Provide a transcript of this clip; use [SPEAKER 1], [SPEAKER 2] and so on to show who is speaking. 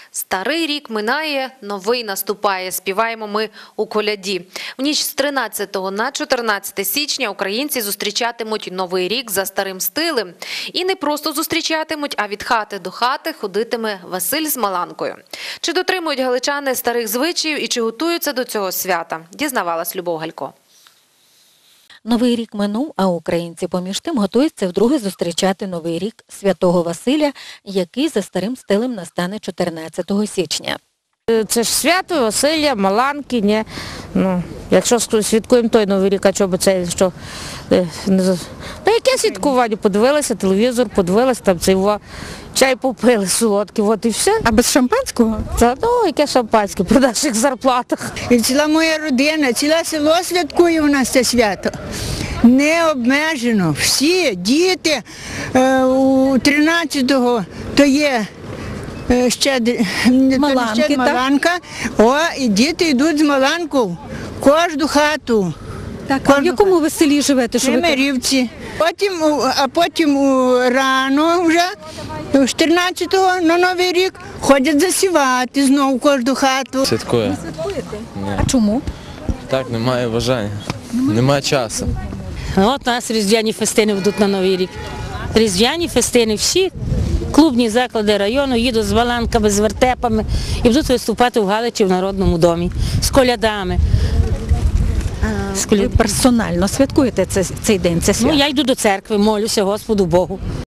[SPEAKER 1] Старий рік минає, новий наступає. Співаємо ми у коляді. В ніч з 13 на 14 січня українці зустрічатимуть Новий рік за старим стилем. І не просто зустрічатимуть, а від хати до хати ходитиме Василь з Маланкою. Чи дотримують галичани старих звичаїв і чи готуються до цього свята? Дізнавалась Любов Галько.
[SPEAKER 2] Новий рік минув, а українці поміж тим готуються вдруге зустрічати Новий рік Святого Василя, який за старим стилем настане 14 січня.
[SPEAKER 3] Це ж свято Василя, Маланки, ні. Ну, якщо святкуємо той Новий рік, а чого б це, що... яке святкування? Подивилися телевізор, подивилися, там цей чай попили солодкий, от і все.
[SPEAKER 2] А без шампанського?
[SPEAKER 3] Яке шампанське при наших зарплатах.
[SPEAKER 4] І ціла моя родина, ціле село святкує у нас це свято. Не обмежено. Всі діти у 13-го, то є Маланка, і діти йдуть з Маланку в кожну хату.
[SPEAKER 2] Так, а в якому ви селі живете?
[SPEAKER 4] В Мирівці. Потім рано вже, 14-го на Новий рік, ходять засівати знову в кожну хату.
[SPEAKER 5] Святкую.
[SPEAKER 2] А чому?
[SPEAKER 5] Так, немає бажання, немає часу.
[SPEAKER 6] От у нас різдвяні фестини ведуть на Новий рік. Різдвяні фестини всі, клубні заклади району їдуть з Маланками, з вертепами і будуть виступати в Галичі в Народному домі з колядами.
[SPEAKER 2] Ви персонально святкуєте цей день, це свято?
[SPEAKER 6] Я йду до церкви, молюся Господу Богу.